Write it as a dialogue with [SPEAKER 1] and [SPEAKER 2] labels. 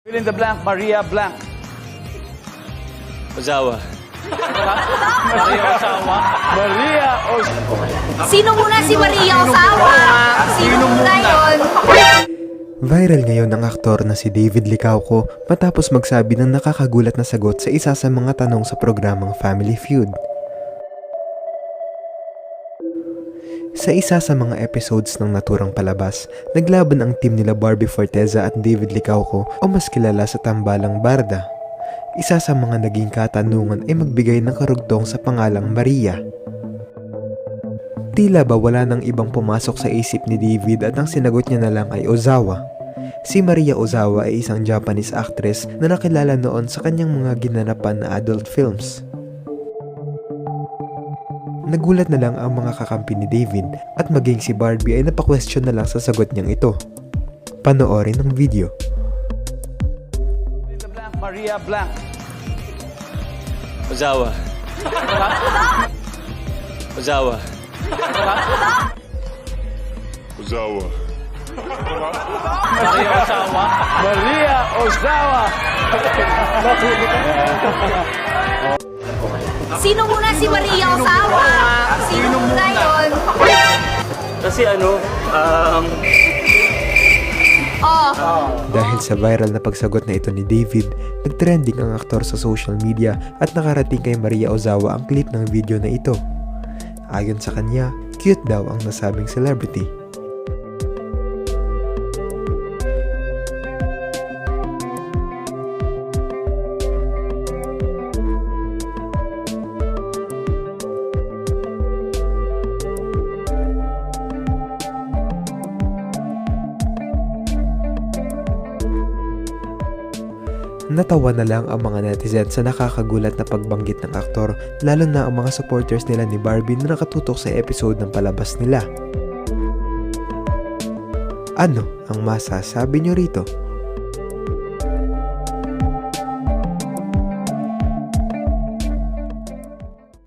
[SPEAKER 1] Fill in the blank, Maria blank.
[SPEAKER 2] Ozawa.
[SPEAKER 1] Maria Ozawa. Maria Ozawa.
[SPEAKER 3] Sino muna si Maria Ozawa? Sino muna yun?
[SPEAKER 4] Viral ngayon ang aktor na si David Licauco matapos magsabi ng nakakagulat na sagot sa isa sa mga tanong sa programang Family Feud. Sa isa sa mga episodes ng naturang palabas, naglaban ang team nila Barbie Forteza at David Licauco o mas kilala sa tambalang Barda. Isa sa mga naging katanungan ay magbigay ng karugtong sa pangalang Maria. Tila ba wala nang ibang pumasok sa isip ni David at ang sinagot niya na lang ay Ozawa. Si Maria Ozawa ay isang Japanese actress na nakilala noon sa kanyang mga ginanapan na adult films. Nagulat na lang ang mga kakampi ni David at maging si Barbie ay napaka-question na lang sa sagot niyang ito. Panoorin ang video.
[SPEAKER 1] Fill in the blank, Maria blank.
[SPEAKER 2] Ozawa. Ozawa.
[SPEAKER 5] Ozawa.
[SPEAKER 1] Maria Ozawa. Maria Ozawa.
[SPEAKER 3] Sino muna si Maria Ozawa? Sino muna yun?
[SPEAKER 2] Kasi
[SPEAKER 4] Dahil sa viral na pagsagot na ito ni David, nagtrending ang aktor sa social media at nakarating kay Maria Ozawa ang clip ng video na ito. Ayon sa kanya, cute daw ang nasabing celebrity. Natawa na lang ang mga netizens sa nakakagulat na pagbanggit ng aktor, lalo na ang mga supporters nila ni Barbie na nakatutok sa episode ng palabas nila. Ano ang masasabi nyo rito?